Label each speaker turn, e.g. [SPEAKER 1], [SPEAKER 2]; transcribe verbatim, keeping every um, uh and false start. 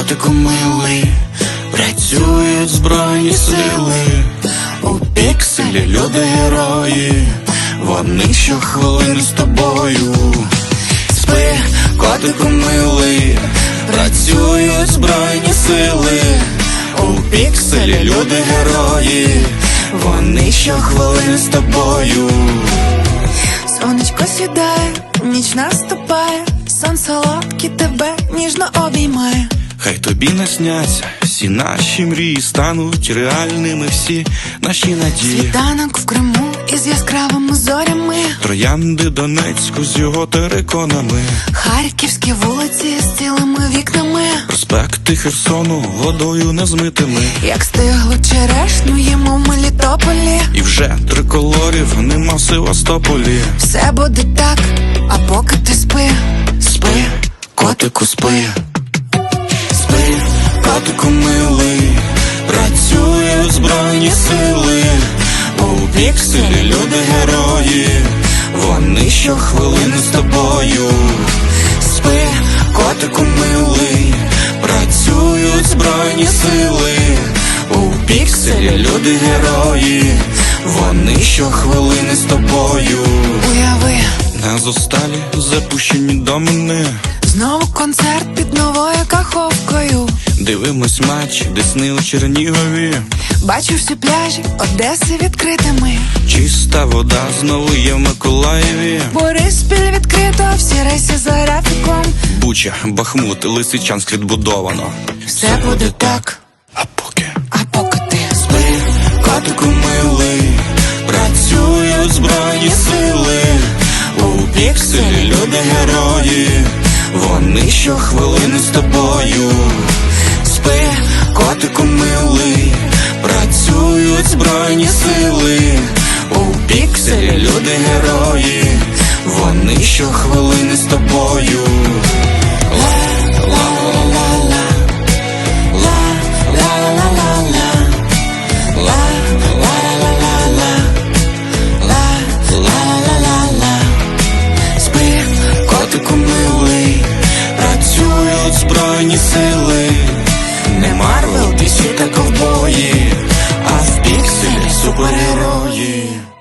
[SPEAKER 1] котику милий, працюють збройні сили. У пікселі люди герої, вони щохвилини з тобою. Спи, котику милий, працюють збройні сили. У пікселі люди герої, вони щохвилини з тобою.
[SPEAKER 2] Сонечко сідає, ніч наступає, сон солодкий тебе ніжно обіймає.
[SPEAKER 1] Хай тобі насняться всі наші мрії, стануть реальними всі наші надії.
[SPEAKER 2] Світанок в Криму із яскравими зорями,
[SPEAKER 1] Троянди Донецьку з його териконами,
[SPEAKER 2] харківські вулиці з цілими вікнами,
[SPEAKER 1] проспекти Херсону водою незмитими.
[SPEAKER 2] як стиглу черешню їмо в Мелітополі.
[SPEAKER 1] І вже триколорів нема в Севастополі.
[SPEAKER 2] Все буде так, а поки ти спи.
[SPEAKER 1] Спи, котику, спи. Спи, котику милий, працюють збройні сили. У пікселі люди герої, вони щохвилини з тобою. Спи, котику милий, працюють збройні сили. У пікселі люди герої, вони щохвилини з тобою.
[SPEAKER 2] Уяви,
[SPEAKER 1] На зосталі запущені до мене,
[SPEAKER 2] знову концерт під новою каховкою.
[SPEAKER 1] дивимось матч Десни у Чернігові.
[SPEAKER 2] Бачу всі пляжі Одеси відкритими.
[SPEAKER 1] Чиста вода знову є в Миколаєві.
[SPEAKER 2] Бориспіль відкрито, всі рейси за графіком.
[SPEAKER 1] Буча, Бахмут, Лисичанськ відбудовано.
[SPEAKER 2] Все буде так,
[SPEAKER 1] А поки
[SPEAKER 2] а поки ти
[SPEAKER 1] спи, котику милий, працюють збройні сили. У пікселі люди герої, вони щохвилини з тобою. Спи, котику милий, працюють збройні сили. У пікселі люди герої, вони щохвилини з тобою. Спи, котику милий, працюють збройні сили. Не Марвел, Ді Сі та ковбої, а в пікселі супергерої.